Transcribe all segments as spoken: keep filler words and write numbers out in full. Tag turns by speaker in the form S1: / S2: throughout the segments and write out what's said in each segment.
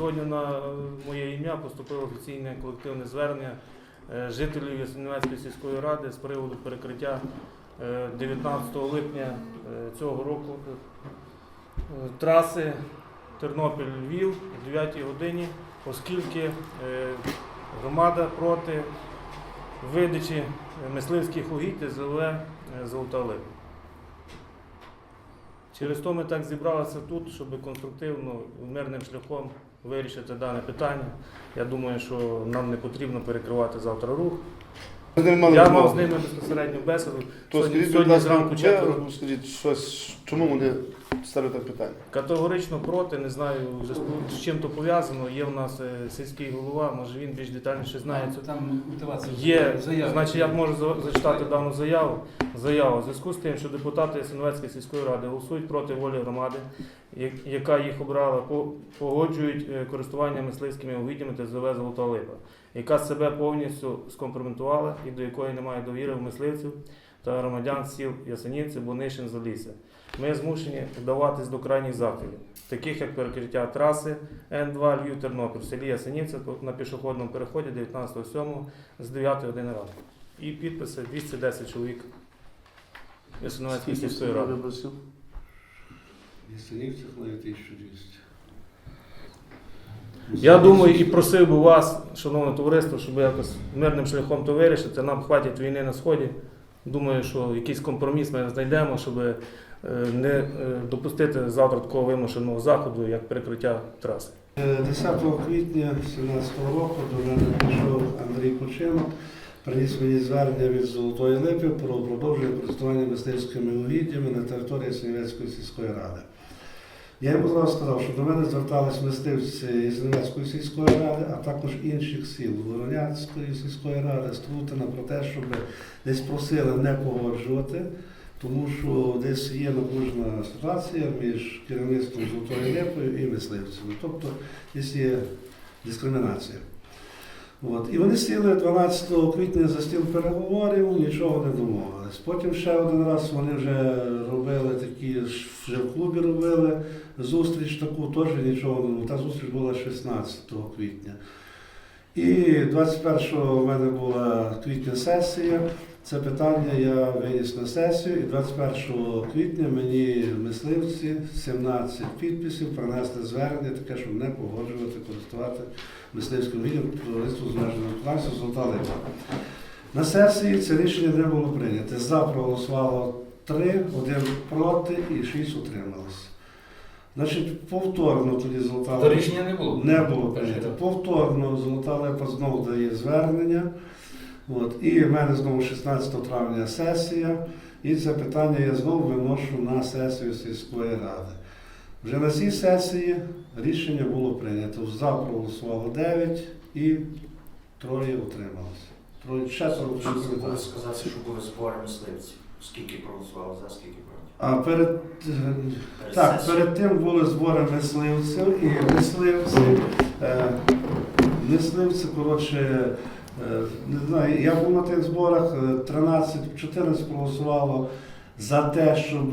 S1: Сьогодні на моє ім'я поступило офіційне колективне звернення жителів Ясенівецької сільської ради з приводу перекриття дев'ятнадцятого липня цього року траси Тернопіль-Львів о дев'ятій годині, оскільки громада проти видачі мисливських угідь Т З В «Золота Липа». Через то ми так зібралися тут, щоб конструктивно, мирним шляхом вирішити дане питання. Я думаю, що нам не потрібно перекривати завтра рух. Я мав з ними безпосередню бесіду.
S2: То
S1: Сьогодні,
S2: скажіть,
S1: сьогодні
S2: будь ласка,
S1: зранку четверо.
S2: скажіть, щось, чому вони ставлять так питання?
S1: Категорично проти, не знаю, з чим то пов'язано. Є в нас сільський голова, може він більш детальніше знає.
S3: Там мотивація.
S1: Є,
S3: Заява.
S1: значить, я можу зачитати дану заяву. Заява. У зв'язку з тим, що депутати Ясенівецької сільської ради голосують проти волі громади, яка їх обрала, погоджують користування мисливськими угіддями Т З В «Золота Липа», яка себе повністю скомпрометувала і до якої немає довіри в мисливців та громадян сіл Ясенівці, Бунишин, Залісся. Ми змушені вдаватись до крайніх заходів, таких як перекриття траси Н два Львів-Тернопіль в селі Ясенівці на пішохідному переході дев'ятнадцятого сьомого з дев'ятої години ранку. І підписи двісті десять чоловік Ясенівецької сільської ради.
S4: Ясенівцях навіть тисяча двісті.
S1: Я думаю і просив би вас, шановне товариство, щоб якось мирним шляхом то вирішити. Нам хватить війни на Сході. Думаю, що якийсь компроміс ми знайдемо, щоб не допустити завтра такого вимушеного заходу, як перекриття траси.
S4: десятого квітня дві тисячі сімнадцятого року до мене прийшов Андрій Кучинок, приніс мені звернення від Золотої Липи про продовження користування мисливськими угіддями на території Ясенівецької сільської ради. Я йому зразу сказав, що до мене звертались мисливці Ясенівецької сільської ради, а також інших сіл Воронянської сільської ради, Струтина, про те, щоб десь просили не погоджувати, тому що десь є напружена ситуація між керівництвом Золотої Липою і мисливцями. Тобто десь є дискримінація. От. І вони сіли дванадцятого квітня за стіл переговорів, нічого не домовились. Потім ще один раз вони вже робили такі, вже в клубі робили зустріч таку, теж нічого не домовились. Та зустріч була шістнадцятого квітня. І двадцять першого в мене була квітня сесія. Це питання я виніс на сесію, і двадцять першого квітня мені мисливці сімнадцять підписів принесли звернення, таке, щоб не погоджувати, користувати мисливським угіддям товариству з обмеженою відповідальністю «Золота Липа». На сесії це рішення не було прийнято. За проголосувало три, один проти і шість утрималось. Значить, повторно тоді «Золота Липа»
S3: рішення не було?
S4: Не було прийнято. Повторно «Золота Липа» знову дає звернення. От. І в мене знову шістнадцятого травня сесія, і це питання я знову виношу на сесію сільської ради. Вже на цій сесії рішення було прийнято. За проголосувало дев'ять і троє утрималося. Троє, четверо
S5: Можете сказати, що були збори мисливців? Скільки проголосували за, скільки проти?
S4: А перед,
S5: Перед
S4: так,
S5: сесією.
S4: перед тим були збори мисливців, і мисливці, е, мисливці, коротше, не знаю, я був на тих зборах, тринадцять-чотирнадцять проголосувало за те, щоб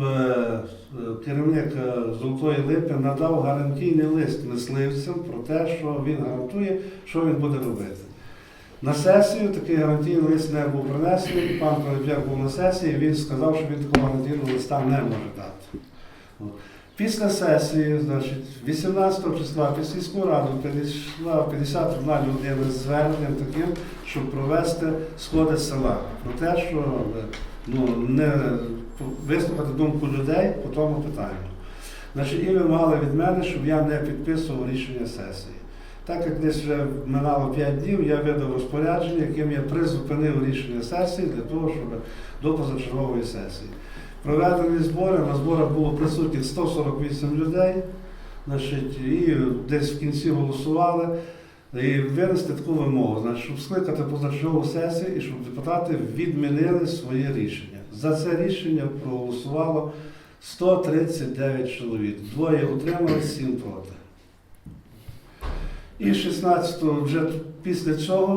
S4: керівник Золотої Липи надав гарантійний лист мисливцям про те, що він гарантує, що він буде робити. На сесію такий гарантійний лист не був принесений, і пан Пилип'як був на сесії, він сказав, що він такого гарантійного листа не може дати. Після сесії, значить, вісімнадцятого числа під сільську раду підійшла п'ятдесят одна людина з зверненням таким, щоб провести сходи села. Про те, що ну, не вислухати думку людей по тому питанню. Значить, і вимагали від мене, щоб я не підписував рішення сесії. Так як десь вже минало п'ять днів, я видав розпорядження, яким я призупинив рішення сесії для того, щоб до позачергової сесії. Проведені збори, на зборах було присутніх сто сорок вісім людей, значить, і десь в кінці голосували, і винести таку вимогу, значить, щоб скликати позачергову сесію і щоб депутати відмінили своє рішення. За це рішення проголосувало сто тридцять дев'ять чоловік, двоє утримались, сім проти. І шістнадцятого вже після цього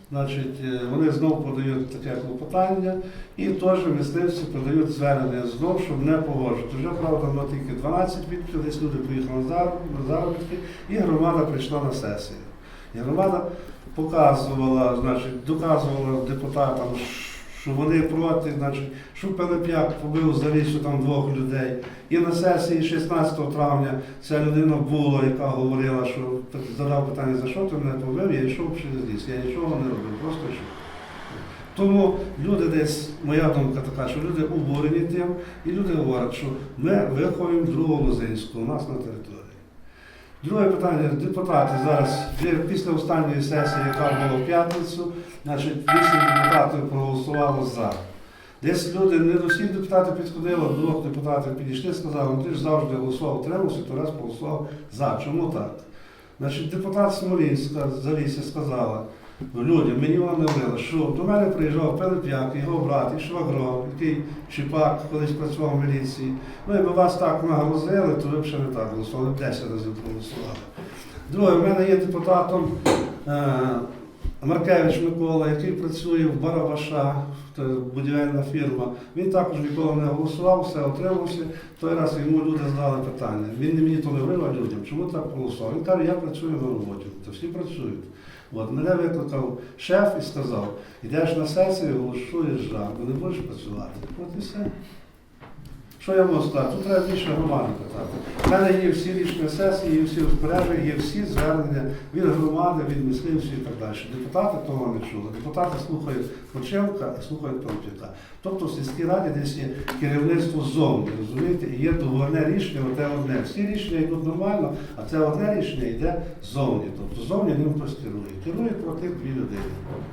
S4: Значить, е, вони знову подають таке клопотання, і теж мисливці подають звернення знов, щоб не погоджувати. Вже, правда, на тільки дванадцять відповідей, десь люди поїхали на зароб- на заробітки, і громада прийшла на сесію. І громада показувала, значить, доказувала депутатам, що вони проти, значить, що Пилип'як побив за лісу там двох людей. І на сесії шістнадцятого травня ця людина була, яка говорила, що задав питання, за що ти мене побив, я йшов через ліс, я нічого не робив, просто йшов. Тому люди десь, моя думка така, що люди обурені тим, і люди говорять, що ми виховуємо другого Лозинського у нас на території. Друге питання. Депутати зараз, вже після останньої сесії, яка була в п'ятницю, значить, вісім депутатів проголосувало за. Десь люди, не до всіх депутатів підходило, двох депутатів підійшли, сказали, ну ти ж завжди голосував, утримався, то раз проголосував за. Чому так? Значить, депутат Смолінська з Залісся сказала людям, мені вона не говорила, що до мене приїжджав Пилип'як, його брат, і Швагро, який Чіпак колись працював в міліції. Ну, якби вас так нагрузили, то ви б ще не так голосували, б десять разів проголосували. Друге, в мене є депутатом е, Маркевич Микола, який працює в Барабаша, це будівельна фірма. Він також ніколи не голосував, все отримався. Той раз йому люди задали питання. Він не мені то не говорив, а людям, чому так голосував. Він каже, я працюю на роботі, то всі працюють. От, мене викликав шеф і сказав, йдеш на сесію, голосуєш жар, бо не будеш працювати. От і все. Що я можу сказати? Тут треба більше громади питати. У мене є всі рішення сесії, є всі розпорядження, є всі звернення від громади, від мисливців і так далі. Депутати того не чули. Депутати слухають Почевка і слухають Пилип'яка. Тобто в сільській раді десь є керівництво ззовні, розумієте? І є договірне рішення, оте одне. Всі рішення йдуть нормально, а це одне рішення йде ззовні. Тобто ззовні ним хтось керує. Керує проти дві людини.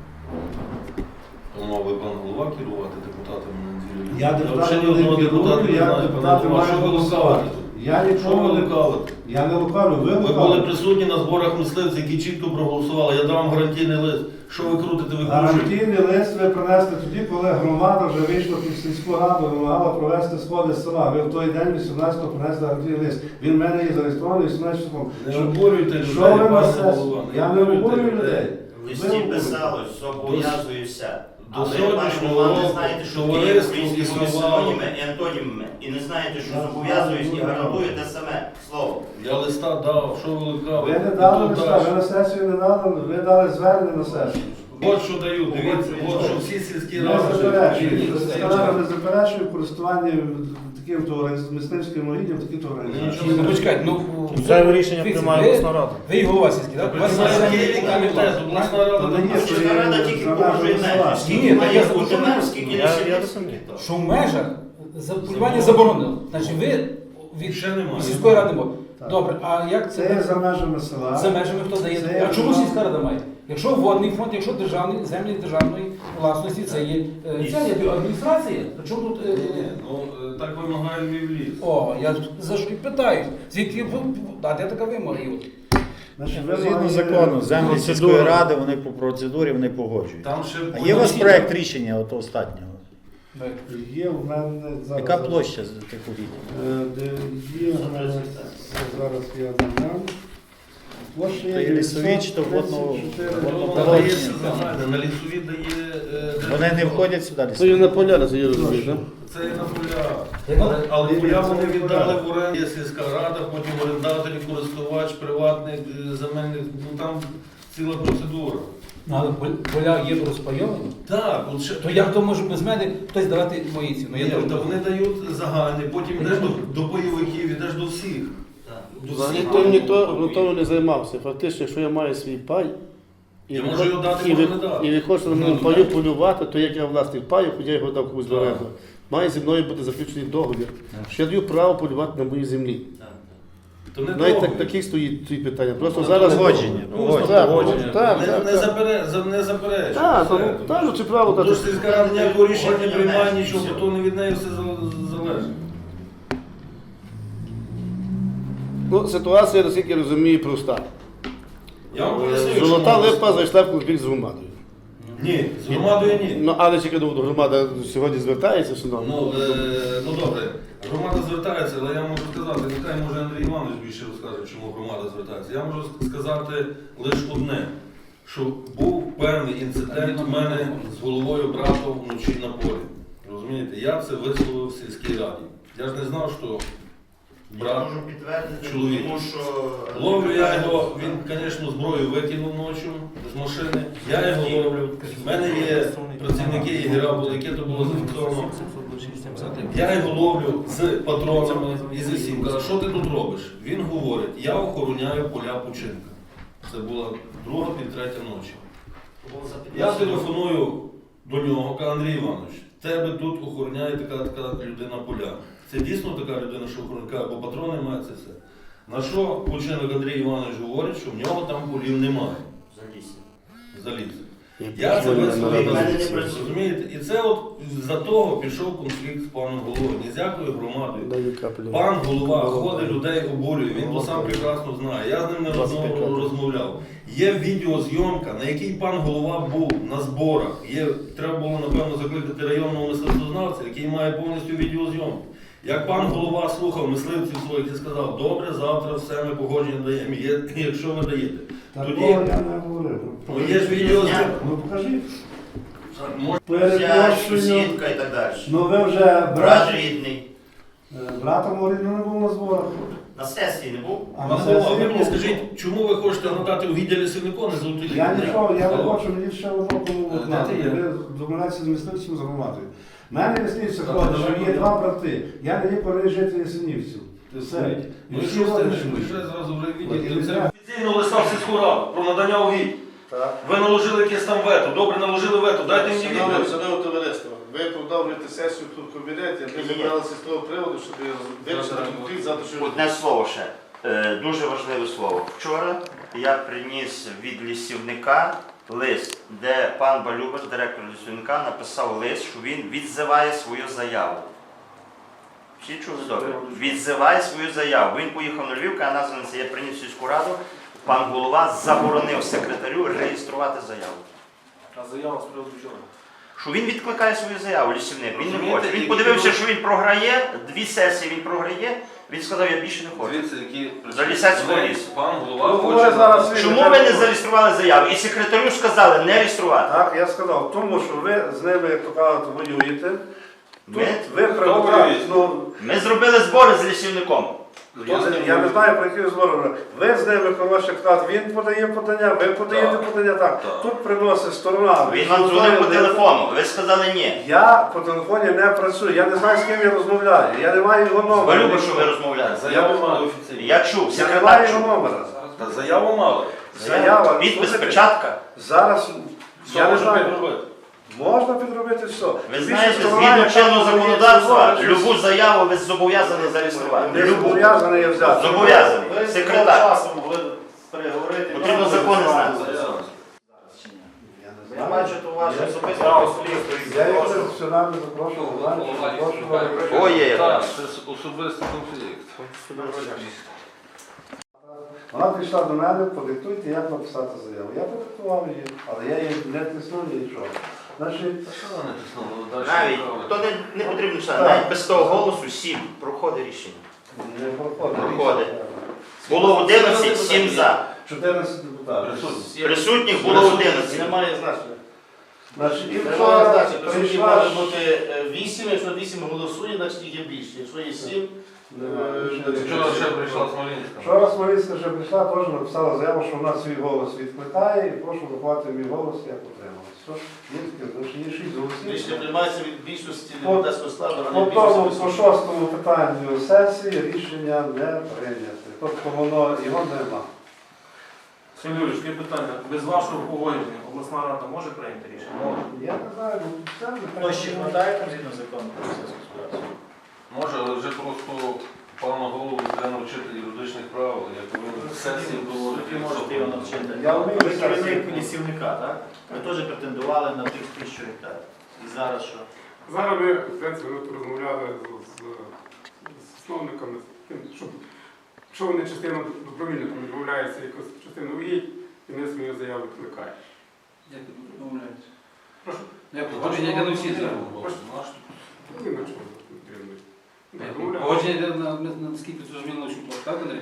S3: То мав би пан голова керувати депутатами на неділю.
S4: Я депутатом
S3: взагалі
S4: не
S3: одного депутата
S4: керую,
S3: не
S4: я
S3: знаю,
S4: депутати
S3: пане Голова.
S4: маю
S3: Що ви
S4: голосувати.
S3: лукавите тут?
S4: Я
S3: Що
S4: нічого
S3: ви
S4: не
S3: лукавите?
S4: Я не лукавлю, ви
S3: Ви були
S4: лукавите.
S3: присутні на зборах мисливців, які чітко проголосували. Я дав вам гарантійний лист. Що ви крутите, ви кружите?
S4: Гарантійний лист ви принесли тоді, коли громада вже вийшла під сільську раду, вимагала провести сходи з села. Ви в той день, вісімнадцятого, принесли гарантійний лист. Він в мене є зареєстрований вісімнадцятого.
S3: Не обурюйте людей,
S4: Що ви на
S3: пане
S4: сесії?
S3: голова.
S4: Я не
S3: обурюйте
S4: обурюю людей.
S5: В
S4: Ви
S5: листі
S4: обурюєте.
S5: писалось, зобов'язуюся.
S3: До
S5: Але, пане
S3: сьогоднішнього
S5: голова, не
S3: року
S5: знаєте, що є
S3: товариство
S5: українські
S3: існувало.
S5: синоніми і антонімами. І не знаєте, що зобов'язуюсь і гарантую те саме слово.
S3: Я листа дав, що ви лукавите?
S4: Ви не дали
S3: І тут
S4: листа,
S3: далі.
S4: ви на сесію не дали, ви дали звернення на сесію.
S3: От що даю, дивіться, от що всі сільські
S4: Не
S3: ради.
S4: заперечую, сільська рада не заперечує користування таким товариством, мисливським угіддям, таким товариством.
S3: Нічого
S6: Ну, почекайте, ну,
S1: Зайве рішення
S6: дивіться,
S1: приймає
S6: ви-
S1: обласна рада.
S6: Ви і голова сільський, так? У вас є
S3: Це
S6: землі,
S3: є комітет, обласна
S4: Та
S3: рада.
S4: не є,
S3: там-
S4: що
S5: Сільська рада
S4: є
S5: тільки
S4: за
S5: погоджує
S4: межами
S5: межі.
S4: села.
S5: Скільки
S6: Ні, та
S5: має
S6: я
S5: бути
S6: зрозумів.
S5: меж, скільки
S1: Я-
S5: не
S1: я
S5: селі,
S1: розумію.
S5: скільки
S6: що в межах за полювання заборонено. Значить, ви від
S3: Ще немає.
S6: сільської ради можете.
S4: Так.
S6: Добре, а як
S4: Це є
S6: це
S4: за межами села.
S6: за межами хто дає?
S4: Це
S6: А чому
S4: є-
S6: сільська рада має? Якщо водний фонд, якщо державний, землі державної власності, це є е, ця є адміністрація. А чому тут? е,
S3: Ні, ну е, так вимагає Львів ліс.
S6: О, я за що і питаю. Звідки ви- а де така вимога? є?
S4: Значить,
S7: Згідно
S4: вимагає-
S7: закону, землі
S1: процедура.
S7: сільської ради, вони по процедурі вони погоджують.
S3: Там ще
S7: А є у вас проект рішення от останнього?
S4: Є в мене зараз.
S7: Яка площа з тих угідь?
S4: Е, де Є в мене зараз я дам. Площа є
S7: Та і лісові, чи то водно-
S4: дев'ятсот тридцять чотири.
S7: водно-
S3: Вона дає загальне, на лісові дає... е,
S7: Вони не входять сюди?
S2: Це є на поля, це є розумієш, так?
S3: Це є на поля.
S6: Яка?
S3: Але, але поля вони віддали в оренду. Є сільська рада, потім орендателі, користувач, приватний, е, земельний, ну там ціла процедура.
S6: Ну, але пол- поля є розпайовані.
S3: Так, от ще...
S6: То як то може без мене хтось давати мої ціни? Ну, я
S3: Ні,
S6: теж
S3: та
S6: не
S3: вони дають загальний, потім йдеш до, до бойовиків, йдеш до всіх. До всіх.
S2: Ніхто ніхто грунтово не займався. Фактично, якщо я маю свій пай, і
S3: Я
S2: ви
S3: можу
S2: хо-
S3: його дати,
S2: і ви-
S3: можу не дати.
S2: і ви хочете на моєму
S3: Ну,
S2: паю
S3: так.
S2: полювати, то як я власник паю, хоча я його дав комусь в
S3: Так.
S2: оренду, має зі мною бути заключений договір, що я даю право полювати на моїй землі.
S3: То не
S2: Навіть
S3: договір.
S2: так, таких стоїть ці питання. Просто
S3: Ну,
S2: зараз
S7: погодження,
S2: Ну,
S7: погодження.
S2: так,
S1: Погодження.
S2: так,
S3: Не,
S2: так,
S3: не,
S2: так.
S3: запере, за- не заперечує.
S2: Так,
S3: Все.
S2: ну, так, ну, це право, так.
S3: Тож сільська рада ніякого рішення не
S5: Погодження
S3: приймає,
S5: меж,
S3: нічого,
S5: все.
S3: то не від неї все зал- залежить.
S2: Ну, ситуація, наскільки я розумію, проста.
S3: Я вам поясню, що
S2: Золота
S3: можна
S2: липа зайшла в конфлікт з громадою.
S3: Ні, з громадою ні.
S2: Ну, але тільки до громада сьогодні звертається все одно.
S3: Ну, е, ну добре, громада звертається, але я можу сказати, нехай може Андрій Іванович більше розкаже, чому громада звертається. Я можу сказати лише одне. що був певний інцидент у мене з головою брата вночі на полі. Розумієте, я це висловив в сільській раді. Я ж не знав, що
S5: Я
S3: брат
S5: можу підтвердити,
S3: чоловік.
S5: тому що...
S3: Ловлю я його, він, звісно, зброю викинув ночі з машини. Я його ловлю. У мене є працівники ігра були, яке то було зафіксовано. Я його ловлю з патронами і з усім. Кажу, що ти тут робиш? Він говорить, я охороняю поля Пучинка. Це була друга під третя ночі. Я телефоную до нього, кажу, Андрій Іванович, тебе тут охороняє така така людина поля. Це дійсно така людина, що охороняє, бо патрони має це все. На що Пучинок Андрій Іванович говорить, що в нього там полів немає.
S5: Залізь.
S3: Заліз. Я це висловив, розумієте? І це от за того пішов конфлікт з паном головою. Ні з якою громадою. Пан голова ходить, людей обурює, він то сам прекрасно знає. Я з ним не розмов- розмовляв. Є відеозйомка, на якій пан голова був на зборах. Є, треба було, напевно, закликати районного мисливцезнавця, який має повністю відеозйомку. Як пан голова слухав мисливців своїх і сказав, добре, завтра все ми погодження даємо, є, якщо ви даєте.
S4: Такого
S3: Тоді
S4: я не говорив.
S3: ну, є ж відеозйомка.
S4: Ну покажіть.
S5: Зять,
S4: Перепрошую.
S5: сусідка і так далі.
S4: Ну ви вже
S5: Брат
S4: брат,
S5: рідний.
S4: е, братом Оріну не був на зборах.
S5: На сесії не був.
S4: А
S3: Пан
S4: на
S3: голова,
S4: сесії
S3: ви мені
S4: був.
S3: скажіть, чому ви хочете надати у відділі сильнику, не золотий лік?
S4: Я нічого, я не
S3: Алло.
S4: хочу, мені ще одного кому
S3: Де
S4: знати.
S3: ти є?
S4: Ви домовляєтеся з мисливцем, з громадою. У мене яснівці
S3: Та
S4: ходить,
S3: ти
S4: що
S3: ж
S4: є
S3: не
S4: два брати. Я не є переїжджати яснівців. Все.
S3: Ну
S4: І
S3: і
S4: всі
S3: що з
S4: вони
S3: тим,
S4: йшли.
S3: ви ще зразу вже
S4: Ні,
S3: відділі?
S4: ні,
S3: Це
S4: ні.
S3: офіційно листа в сільську раду про надання угідь.
S2: Так.
S3: Ви наложили якесь там вето, добре наложили вето, дайте мені
S2: Шановне,
S3: відповідь.
S2: шановне товариство, ви продовжуєте сесію тут в кабінеті, ми
S5: Ні.
S2: зібралися з того приводу, щоб вирішити конфлікт завтра, що
S5: Одне слово ще. Е, Дуже важливе слово. Вчора я приніс від лісівника лист, де пан Балюбер, директор лісівника, написав лист, що він відзиває свою заяву. Всі чули добре? Відзиває свою заяву. Він поїхав на Львів, каже, названиця, я приніс в сільську раду, пан голова заборонив секретарю реєструвати заяву.
S3: А заява з приводу чого?
S5: Що він відкликає свою заяву, лісівник, він не
S3: Розумієте,
S5: хоче. Він
S3: які
S5: подивився,
S3: люди-
S5: що він програє, дві сесії він програє, він сказав, я більше не хочу.
S3: Дивіться, які
S5: За лісацького
S3: Вони-
S5: лісу.
S3: Пан
S2: Ну,
S3: голова
S2: говори
S3: хоче...
S2: зараз ви.
S5: Чому ви не зареєстрували заяву? І секретарю сказали не реєструвати.
S4: Так, я сказав, тому що ви з ними, як то кажуть, воюєте. Тут
S5: Ми,
S4: ви
S3: Хто
S4: прибутали,
S3: воює?
S4: ну,
S5: ми зробили збори з лісівником.
S4: я, я не знаю, про які збори. Ви з ними, коротше, кажуть, він подає подання, ви подаєте
S3: Так.
S4: подання, так.
S3: Так.
S4: Тут приносить сторона.
S5: Він вам дзвонив по телефону. Ви сказали ні.
S4: Я по телефоні не працюю, я не знаю, з ким я розмовляю, я не маю його номера.
S5: Балюбо, що ви розмовляли.
S3: Заяву мали офіційно.
S5: Я чув,
S4: Я не
S5: секретар
S4: маю його
S5: чув.
S4: номера.
S3: Та заяву мали.
S4: Заява.
S5: Підпис,
S4: Слухайте,
S5: печатка.
S4: Зараз,
S3: Що
S4: я не
S3: може
S4: знаю,
S3: підробити?
S4: можна підробити все.
S5: Ви
S4: Більше
S5: знаєте,
S4: сторона,
S5: згідно
S4: яка
S5: чинного
S4: подає
S5: законодавства,
S4: заяву,
S5: любу заяву ви зобов'язані зареєструвати.
S4: Не
S5: Любу.
S4: зобов'язаний я взяти.
S5: Зобов'язаний.
S2: Ви з
S5: Секретар.
S2: часом могли переговорити.
S5: Потрібно закони знати.
S3: Заява.
S2: Я бачу, то ваше
S4: Я-
S2: особисте.
S4: Я їх сюди не запрошував, знаєте, запрошував.
S5: Ой, є.
S3: Так, це особистий конфлікт.
S4: Вона прийшла до мене, подиктуйте, як написати заяву. Я подиктував її, але я її не тиснув нічого. Значить,
S3: Та що вони тиснули? Далі
S5: Навіть,
S3: направили.
S5: то не, не потрібно читати,
S4: Так.
S5: навіть без того голосу сім проходить рішення.
S4: не проходить.
S5: Проходить. Було одинадцять, сім за.
S4: чотирнадцять депутатів.
S3: Присутні.
S5: Присутніх було одинадцять.
S2: Немає значення.
S4: Значить, і
S2: Немає
S4: вчора
S2: значення. Присутні
S4: прийшла...
S2: може бути е, вісім, якщо вісім голосує, значить їх є більше. Якщо є сім,
S4: Немає,
S2: е,
S4: більше
S3: Вчора
S4: не
S3: ще
S4: прийшла.
S3: прийшла Смолінська.
S4: Вчора Смолінська вже прийшла, теж написала заяву, що вона свій голос відкликає і прошу врахувати мій голос, як отрималось. Що? Є таке, значить, є шість
S2: рішення
S4: голосів.
S2: приймається від більшості
S4: По-
S2: депутатського складу, а
S4: По
S2: не
S4: тому,
S2: більшості.
S4: по шостому питанню сесії рішення не прийняте. Тобто воно, його нема.
S1: Сергій Юрійович, таке питання. Без вашого погодження обласна рада може прийняти рішення? Може.
S4: Я не знаю, ну це не
S7: Площі хватає там згідно закону про сільську господарство?
S3: Може, але вже просто пана голову треба навчити юридичних правил, як він в сесії доводить.
S7: Ви можете його навчити.
S4: Я вмію
S7: Ви керівник
S4: сесії.
S7: лісівника, так? Ви теж претендували на тих тисячу гектарів. І зараз що?
S8: Зараз ми, в принципі, ми тут розмовляли з, з, з засновниками, з тим, щоб, що вони частину добровільно там відмовляються якусь частину угідь, і ми свою заяву відкликаємо.
S6: Як ви домовляєтесь?
S8: Прошу.
S6: Як погодження йде на всі заяви?
S8: Ну, і на чому потрібно. Так,
S6: Як
S8: домовляємося.
S6: Погодження йде на, на, на скільки це ж мілочу площу, так, Андрій?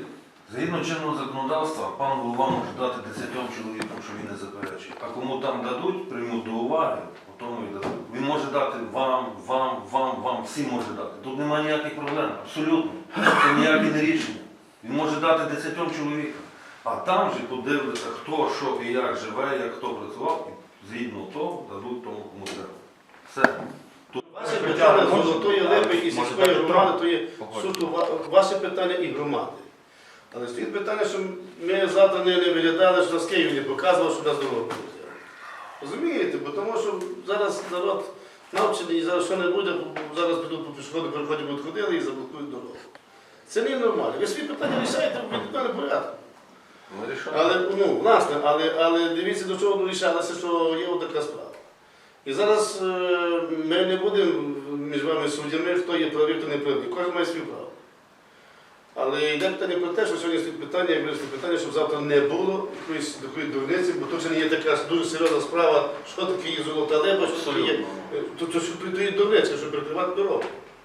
S3: Згідно чинного законодавства, пан голова може дати десятьом чоловікам, що він не заперечує. А кому там дадуть, приймуть до уваги, по тому і дадуть. Він може дати вам, вам, вам, вам, всім може дати. Тут немає ніяких проблем, абсолютно. Це ніяке не рішення. Він може дати десятьом чоловікам. А там же подивляться, хто, що і як живе, як хто працював, і згідно того дадуть тому, кому треба. Все.
S2: Ваше питання з Золотої Липи і сільської громади, то є суто ва- ваше питання і громади. Але стоїть питання, що ми завтра не, не виглядали, що нас Київ не показував, що нас дорога буде. Розумієте? Бо тому що зараз народ навчений і зараз що не буде, зараз підуть по пішохідному переході, будуть ходили і заблокують дорогу. Це не нормально. Ви свої питання рішаєте в відповідальному порядку.
S3: Ми рішаємо.
S2: Але, ну, власне, але, але дивіться, до чого вирішалося, що є така справа. І зараз е, ми не будемо між вами суддями, хто є правий, хто не правий. Кожен має свій право. Але йде питання про те, що сьогодні стоїть питання, як вирішити питання, щоб завтра не було якоїсь такої дурниці, бо тут вже не є така дуже серйозна справа, що таке є Золота Липа, що таке є. То, то, що то є дурниця, щоб перекривати дорогу.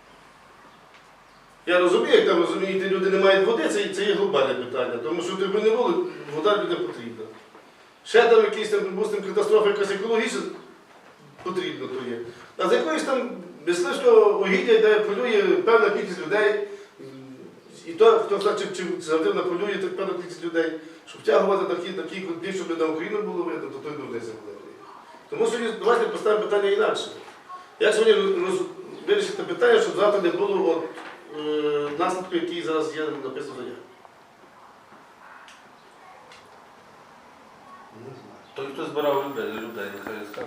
S2: Я розумію, як там розумієте, люди не мають води, це, це є глобальне питання, тому що якби не було, вода людям потрібна. Ще там якісь там, припустимо, катастрофа якась екологічна потрібно то є. А з якоїсь там мисливського угіддя, де полює певна кількість людей, і то, хто значить, чи завжди полює, так певна кількість людей, щоб втягувати такі, такі конфлікт, щоб на Україну було видно, то той дурниця буде. Тому сьогодні давайте поставимо питання інакше. Як сьогодні роз... вирішити питання, щоб завтра не було от, е... наслідку, який зараз є написано в заяві?
S3: Той, хто збирав людей, людей, нехай скаже.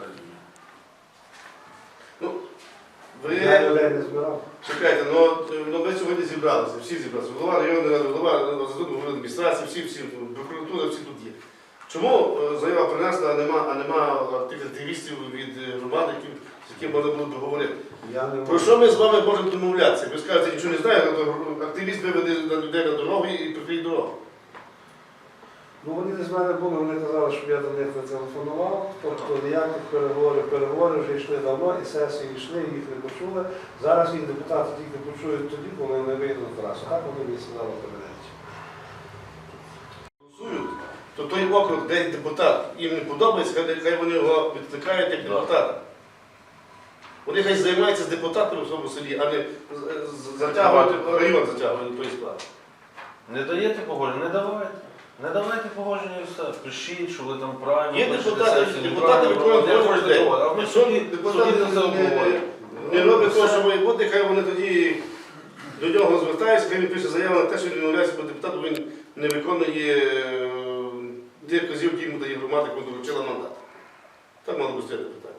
S2: Ну,
S4: Я
S2: ви...
S4: людей не збирав.
S2: Чекайте, ну, от, ну ви сьогодні зібралися, всі зібралися. Голова районної ради, голова заступник адміністрації, всі, всі, прокуратура, всі тут є. Чому е, заява принесла, а нема, а нема тих активістів від е, громади, які, з якими можна було б говорити?
S4: Я не
S2: Про що ми з вами можемо домовлятися? Ви скажете, нічого не знаю, то активіст виведе на людей на дорогу і прикриє дорогу.
S4: Ну, вони не з мене були, вони казали, щоб я до них не телефонував, тобто ніяких переговорів, переговори вже йшли давно, і сесії йшли, їх не почули. Зараз їх депутати тільки почують тоді, коли вони вийдуть на трасу. Так вони мені сказали в кабінеті.
S2: Голосують, то той округ, де депутат їм не подобається, хай, хай вони його відкликають як депутата. Вони хай займаються з депутатами в своєму селі, а не з- з- затягувати район затягувати до тої справи.
S3: Не даєте погодження, не давайте. Не давайте погодження і все. Пишіть, що ви там правильно.
S2: Є
S3: пишете
S2: депутати,
S3: сесію,
S2: депутати
S3: неправильно,
S2: виконують
S3: не
S2: роль
S3: хочете
S2: людей.
S3: того. А ви
S2: Якщо
S3: собі,
S2: депутати
S3: собі це
S2: не,
S3: обговорюєте.
S2: не роблять того, що має бути, хай вони тоді до нього звертаються, хай він пише заяву на те, що він відмовляється, бо депутат він не виконує е, тих вказівок, які йому дає громада, яку доручила мандат. Так мало би стояти питання.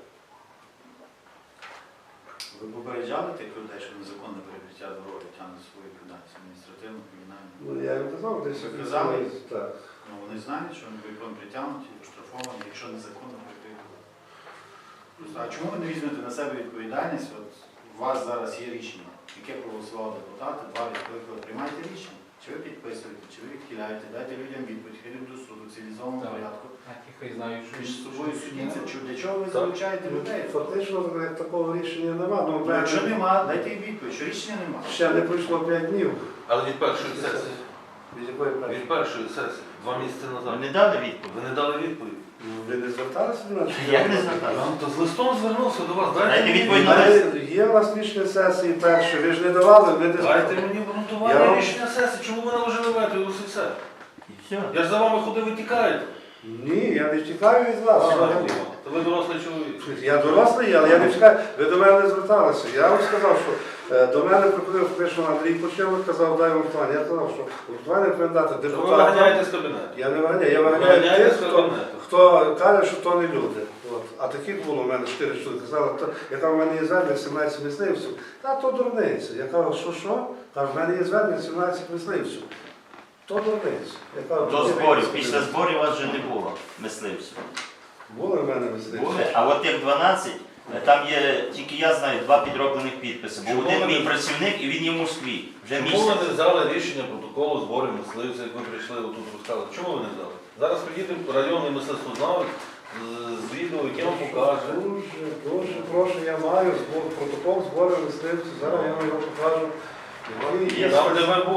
S7: Ви попереджали тих людей, що незаконне перекриття дороги тягне свою відповідальність адміністративну, кримінальну?
S4: Ну, я їм казав, десь
S7: Ви казали?
S4: так.
S7: Ну вони знають, що вони будуть притягнуті, оштрафовані, якщо незаконно перекриють дорогу. Просто, а чому ви не візьмете на себе відповідальність? От у вас зараз є рішення, яке проголосували депутати, два відкликали. Приймайте рішення. Чи ви підписуєте, чи ви відхиляєте, дайте людям відповідь, хай йдуть до суду в цивілізованому
S6: Так.
S7: порядку.
S6: Хай знають, що
S7: Між собою судіться, чи для чого ви залучаєте людей?
S4: Фактично як такого рішення нема. Ну,
S7: Ну, якщо нема, дайте їм відповідь, що рішення нема.
S4: ще не пройшло п'ять днів.
S3: Але від першої сесії,
S4: Від якої першої?
S3: від першої сесії, два місяці
S5: Ви
S3: назад.
S5: не дали відповідь?
S3: Ви не дали відповідь.
S4: Ви не зверталися до нас?
S5: Як не зверталися?
S3: Ну, то з листом звернувся до вас. Дайте,
S5: Дайте
S3: мені
S5: відповідь на
S3: відповідь.
S5: лист.
S4: Є у нас рішення сесії перше, ви ж не давали, ви не
S3: Дайте
S4: зверталися.
S3: мені
S4: Я
S3: обґрунтування
S4: вам-
S3: рішення сесії. Чому ви наложили вето і ось і все?
S5: І все.
S3: Я ж за вами ходив, ви тікаєте.
S4: Ні, я не втікаю від вас. взагалі.
S3: То ви дорослий чоловік.
S4: Я дорослий, але я не втікаю. Ви до мене не зверталися. Я вам сказав, що е, до мене приходив фактично Андрій Почевик, казав, дай вартування. Я сказав, що вартування повинен дати
S3: Що ви
S4: депутатам.
S3: виганяєте з кабінету?
S4: Я не виганяю, я
S3: Ви
S4: виганяю
S3: виганяєте
S4: тих,
S3: з
S4: хто,
S3: кабінету.
S4: хто каже, що то не люди. От. А таких було в мене чотири чоловіки. Казали, «То- яка в мене є звернення сімнадцять мисливців. Та то дурниця. Я кажу, що що? Кажу, в мене є звернення сімнадцять мисливців. То дурниця. Я кажу,
S5: До
S4: «Ні,
S5: зборів.
S4: ні,
S5: Після зборів вас вже не було мисливців.
S4: Були в мене мисливці.
S5: Були, а от тих дванадцять, там є, тільки я знаю, два підроблених підписи. Бо
S3: Чому
S5: один
S3: ви
S5: мій
S3: не-
S5: працівник і він є в Москві. Вже
S3: Чому
S5: місяць.
S3: ви не взяли рішення протоколу зборів мисливців, як ви прийшли отут розказали? Чому ви не взяли? Зараз приїде районний мисливствознавець з- з відео, яке вам покаже.
S4: Дуже, дуже прошу, я маю збор, протокол збору мисливців. Зараз я вам його покажу. Який є
S3: Там, де ви були.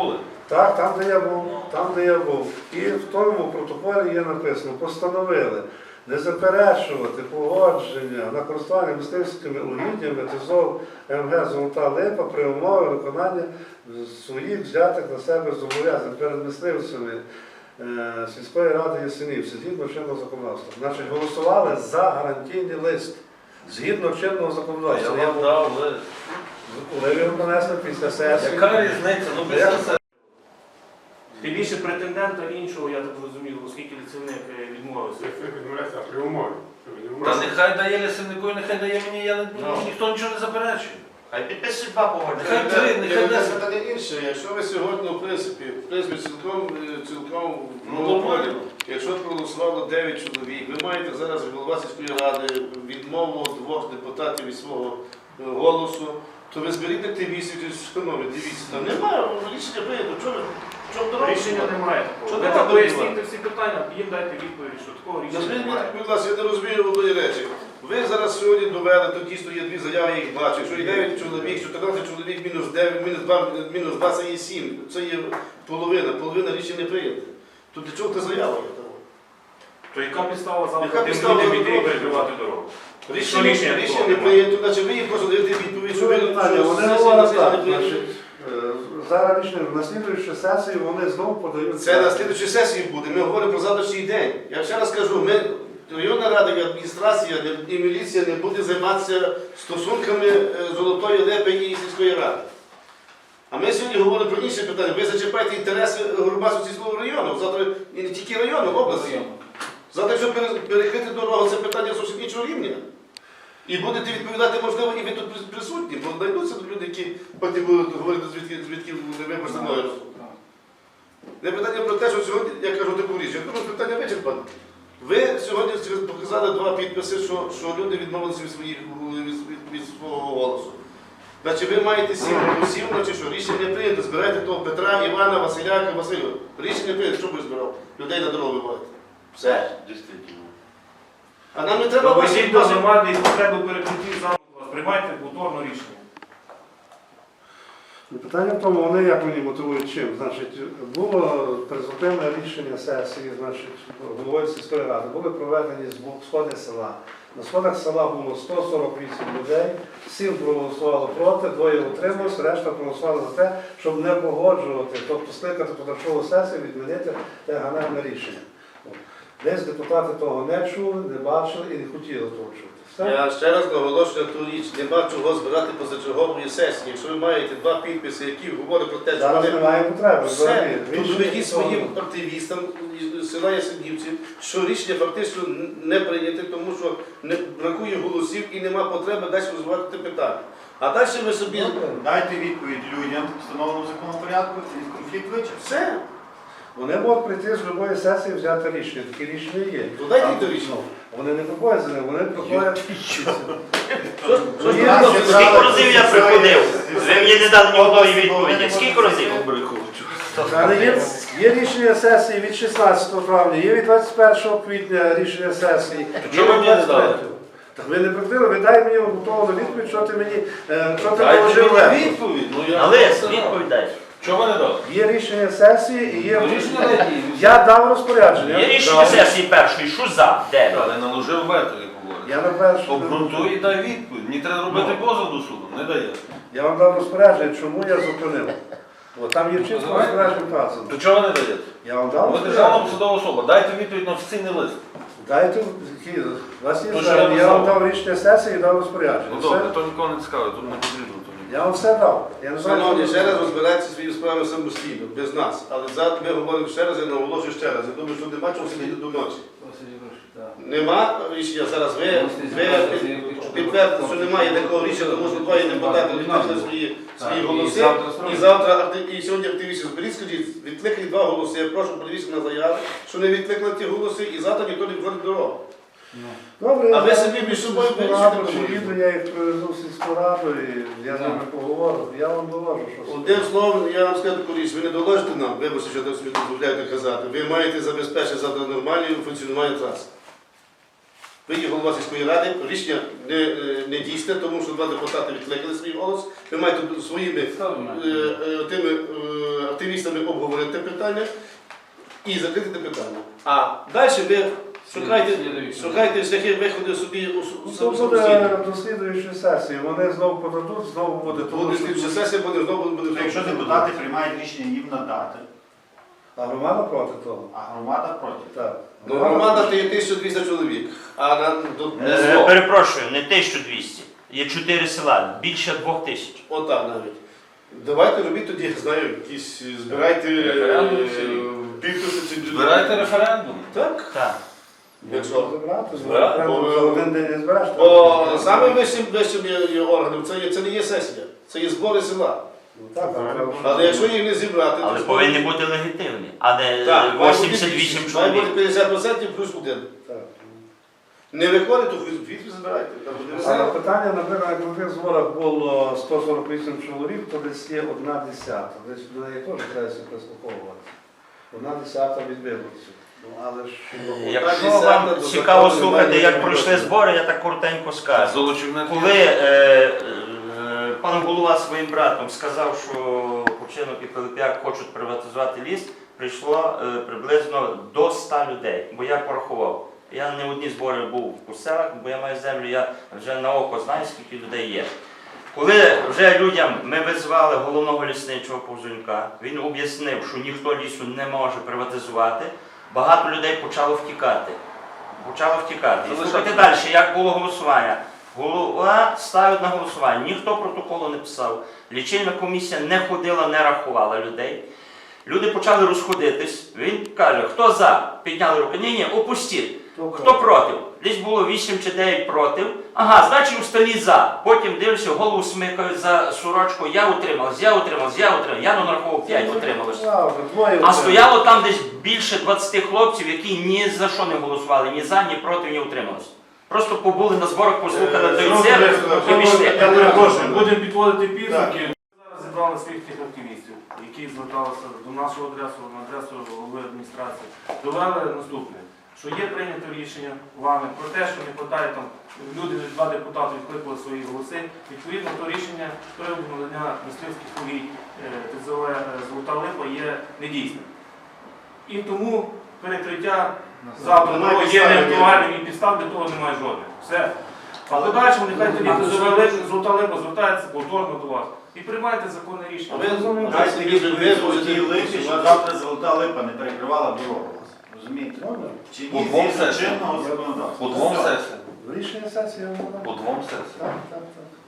S4: Так, там, де я був, там, де я був. І в тому протоколі є написано, постановили не заперечувати погодження на користування мисливськими угіддями ТЗОВ МГ «Золота Липа» при умові виконання своїх взятих на себе зобов'язань перед мисливцями е, сільської ради Ясенівці, згідно чинного законодавства. Значить, голосували за гарантійний лист. Згідно чинного
S3: Я
S4: законодавства. Я
S3: вам
S4: був-
S3: дав лист.
S4: Коли ви його принесли після сесії.
S3: Яка різниця? Ну, без
S4: Як-
S3: сенсу.
S1: Тим більше претендента іншого, я так зрозумів, оскільки лісівник е, відмовився.
S8: Це відмовляється при умові. що ви не
S3: Та
S8: можете.
S3: нехай дає лісівнику і нехай дає мені, я не,
S1: Ну.
S3: ніхто нічого не заперечує.
S5: Хай підписують два погодження.
S3: Нехай три, нехай
S2: Це
S3: десять.
S2: питання інше. Якщо ви сьогодні, в принципі, в принципі, цілком, е, цілком
S3: Ну,
S2: в
S3: нормально.
S2: монополі, якщо проголосувало дев'ять чоловік, ви маєте зараз голова сільської ради відмову двох депутатів від свого е, голосу, то ви зберіть активістів, шановні, дивіться, там немає рішення прийнято. Чого ви? в чому дорога?
S1: Рішення немає
S2: Що
S1: такого. Ви
S2: нема
S1: так
S2: такого?
S1: поясніть всі питання, їм дайте відповідь, що такого рішення
S2: Назвіть мені,
S1: немає.
S2: будь ласка, я не розумію одної речі. Ви зараз сьогодні довели, то дійсно є дві заяви, я їх бачу. Що є дев'ять чоловік, чотирнадцять чоловік, мінус дев'ять, мінус два, мінус два, це є сім. Це є половина, половина рішень не прийнята. То для чого ти заява є того?
S1: То яка підстава
S2: Яка
S1: завтра тим
S2: підстава
S1: людям іти і
S2: дорогу?
S1: перекривати дорогу?
S2: Рішення,
S1: рішення
S2: рішення,
S1: такого
S2: не
S1: немає.
S2: прийнято, значить ви їм просто даєте відповідь, що ви
S4: Що питання?
S2: що
S4: Вони
S2: сесія
S4: говорять
S2: на
S4: так,
S2: сесії не
S4: значить,
S2: прийнята.
S4: е, зараз рішення, на слідуючу сесію вони знову подають.
S2: Це на слідчій сесії буде. Ми говоримо про завтрашній день. Я ще раз кажу, ми, районна рада і адміністрація і міліція не буде займатися стосунками е, Золотої Липи і сільської ради. А ми сьогодні говоримо про інші питання. Ви зачіпаєте інтереси Горбацького сільського району, завтра і не тільки району, області. Завтра, якщо пере- перекрити дорогу, це питання зовсім іншого рівня. І будете відповідати, можливо, і ви тут прис- присутні, бо знайдуться тут люди, які потім будуть говорити, звідки, звідки ви постановили. Не питання про те, що сьогодні, я кажу таку річ, я думаю, питання вичерпане. Ви сьогодні показали два підписи, що, що люди відмовилися від, своїх, від, від, від свого голосу. Значить, ви маєте сім голосів, значить що, рішення не прийнято, збирайте того Петра, Івана, Василяка, Василю. Рішення прийнято, що б ви збирав? Людей на дорогу вибивати. Все.
S5: Дійсно.
S2: А нам не треба
S1: Довезіть до
S2: ваші-
S1: громади і потребу перекриттів завтра вас. Приймайте повторно рішення.
S4: Питання в тому, вони як мені мотивують чим. Значить, було призупинне рішення сесії, значить, головою сільської ради, були проведені збо- сходи села. На сходах села було сто сорок вісім людей, сім проголосувало проти, двоє утрималось, решта проголосували за те, щоб не погоджувати, тобто скликати позачергову сесію, відмінити те ганебне рішення. От. Десь депутати того не чули, не бачили і не хотіли того чути. Все.
S2: Я ще раз наголошую на ту річ, нема чого збирати позачергової сесії. Якщо ви маєте два підписи, які говорять про те, що
S4: Зараз
S2: вони
S4: немає потреби.
S2: все,
S4: взагалі.
S2: то
S4: Рішення
S2: доведіть своїм
S4: того.
S2: активістам із села Ясенівців, що рішення фактично не прийняте, тому що не бракує голосів і нема потреби далі розвивати те питання. А далі ви собі
S7: Дайте відповідь людям, встановленому законом порядку, і конфлікт вичерпаний.
S2: все.
S4: Вони можуть прийти з будь-якої сесії взяти рішення. Такі рішення є.
S2: То дайте
S4: А,
S2: то рішення.
S4: Вони не приходять за ним, вони приходять.
S2: Що ж
S4: Ну,
S2: ви
S4: є
S2: нас
S4: рішення.
S2: зібрали?
S5: Скільки разів я приходив? Ви мені не дали ні одної відповіді. Скільки разів?
S4: Але є, є рішення сесії від шістнадцятого травня, є від двадцять першого квітня рішення сесії.
S3: чого
S4: є
S3: ви
S4: від
S3: мені не дали?
S4: двадцять третього. Так ви не прикрили, ви дай мені готову відповідь, що ти мені, е, що ти
S3: Дайте
S4: положив
S3: мені
S4: вето.
S3: відповідь. Ну, я
S5: На лист, відповідь дай.
S3: Чого ви не дали?
S4: Є рішення сесії і є...
S6: Ну, рішення дайте.
S4: Я дав розпорядження.
S5: Є рішення сесії першої, що за? Де?
S3: Але наложив вето, як говорять.
S4: Я на першу...
S3: Обґрунтуй і дай відповідь. Мені треба робити позов до суду. Не дає.
S4: Я вам дав розпорядження, чому я зупинив. От, там є чітко
S6: Давайте.
S4: розпорядження вказано.
S3: То чого ви не даєте?
S4: Я вам дав
S3: Ви державна
S4: розпорядження.
S3: посадова особа. Дайте відповідь на офіційний лист.
S4: Дайте, які- у вас є
S3: Ну,
S4: все.
S3: що я
S4: Я вам
S3: назвав?
S4: дав рішення сесії і дав розпорядження.
S3: Ну
S4: Все.
S3: добре, то нікого не цікавить, тут не потрібно. то ні.
S4: Я вам все дав. Я не знаю,
S2: Шановні,
S4: що
S2: ще
S4: ви-
S2: раз розбирайтеся свої справи самостійно, без нас. Але зараз ми говоримо ще раз, я наголошую ще раз. Я думаю, що нема чого сидіти до ночі. Нема рішення зараз. Ви, ви підтвердите, що немає такого рішення, тому що двоє депутати відкликали свої, свої голоси. І завтра акти- і сьогодні активісти зберіть, скажіть, відкликали два голоси. Я прошу подивіться на заяви, що не відкликали ті голоси, і завтра ніхто не виходить дорогу.
S4: Добре,
S2: А
S4: я
S2: ви собі між собою
S4: сільську
S2: вирішите,
S4: раду,
S2: кому
S4: чи
S2: їх.
S4: їду, я їх привезу в сільську раду, і я з ними поговорю. Я вам доложу, що...
S2: Одним словом, я вам скажу таку річ, ви не доложите нам, вибачте, що я собі дозволяєте казати. Ви маєте забезпечити завтра нормальне функціонування траси. Ви є голова сільської ради, рішення не, е, не дійсне, тому що два депутати відкликали свій голос. Ви маєте своїми е, е, тими е, активістами обговорити питання і закрити те питання. А далі ви шукайте, шукайте шляхи виходу собі у
S4: Ну,
S2: су-
S4: то
S2: самостійно.
S4: буде до слідуючої сесії. Вони знову подадуть, знову буде. тому
S2: Буде
S4: що-
S2: слідча сесія, буде знову буде.
S7: Тобто, якщо депутати приймають рішення їм надати,
S4: А громада проти того.
S7: а громада проти.
S4: Так.
S2: Ну, громада то є тисяча двісті чоловік, а на до
S5: Е,
S2: сто.
S5: Перепрошую, не тисяча двісті. Є чотири села, більше двох тисяч.
S2: Отак навіть. Давайте робіть тоді, я знаю, якісь збирайте
S6: Референдум
S2: е,
S6: чи-
S2: підписи чи
S3: Збирайте референдум.
S2: Так?
S5: Так.
S2: Якщо.
S4: Забрати,
S3: Збирати?
S4: збирати, за один день не збереш.
S2: Бо саме вищим вищим є, є органом це, є, це не є сесія, це є збори села.
S4: Ну, так, так, треба.
S2: Але якщо їх не зібрати,
S5: Але
S2: то
S5: повинні бути легітимні, а не
S2: Так, має бути
S5: вісімдесят вісім
S2: більшість. Має
S5: чоловік.
S2: бути п'ятдесят відсотків плюс один.
S4: Так.
S2: Не виходить, то відповідь збирайте. Там буде
S4: Але
S2: села.
S4: питання, наприклад, як на тих зборах було сто сорок вісім чоловік, то десь є одна десята. Десь до неї теж треба прислуховувати. Одна десята від виборців. Ну, але ж...
S5: Якщо
S2: десята
S5: вам
S2: до
S5: цікаво
S2: закону
S5: слухати,
S2: немає
S5: як
S2: ніякого
S5: пройшли
S2: відношення.
S5: збори, я так коротенько скажу.
S3: Золочівне
S5: Коли е, е, пан голова своїм братом сказав, що Купчинок і Пилип'як хочуть приватизувати ліс, прийшло е, приблизно до ста людей, бо я порахував. Я не одні збори був у селах, бо я маю землю, я вже на око знаю, скільки людей є. Коли вже людям ми визвали головного лісничого Повзунька, він об'яснив, що ніхто лісу не може приватизувати, багато людей почало втікати. Почало втікати. І слухайте далі, як було голосування. Голова ставить на голосування, ніхто протоколу не писав, лічильна комісія не ходила, не рахувала людей. Люди почали розходитись. Він каже, хто за? Підняли руки. Ні, ні, опустіть. Хто проти? Десь було вісім чи дев'ять проти. Ага, значить у столі за. Потім дивлюся, голову смикають за сорочку. Я утрималась, я утрималась, я утрималась. Я нарахував п'ять утрималось. А стояло там десь більше двадцяти хлопців, які ні за що не голосували, ні за, ні проти, ні утримались. Просто побули на зборах, послухали
S2: Е,
S5: той
S2: знову
S5: цирк
S2: ж,
S5: і пішли.
S2: я перепрошую,
S1: Будемо підводити підсумки.
S2: Так.
S1: Зараз зібрали своїх тих активістів, які зверталися до нашого адресу, на адресу голови адміністрації. Довели наступне, що є прийнято рішення вами про те, що не вистачає там, люди, два депутати відкликали свої голоси. Відповідно, то рішення про надання мисливських повій ТЗО Золота Липа є недійсним. І тому перекриття завтра
S2: Немає
S1: є
S2: підстав,
S1: неактуальним і підстав для того немає жодних. Все. А подальшому нехай тоді ТЗО Золота Липа звертається повторно до вас. І приймайте законне рішення.
S2: Ви розумієте,
S7: Дайте
S2: ви
S7: відповідь
S2: золоті
S7: золотій липі,
S2: липи,
S7: щоб завтра золота липа не перекривала дорогу. Розумієте? Чи
S3: По
S7: ні
S3: двом
S7: згідно
S3: сесіям.
S7: чинного законодавства.
S3: По двом
S7: Все.
S3: сесіям.
S4: Рішення сесії.
S3: По двом сесіям.
S4: Так, так, так.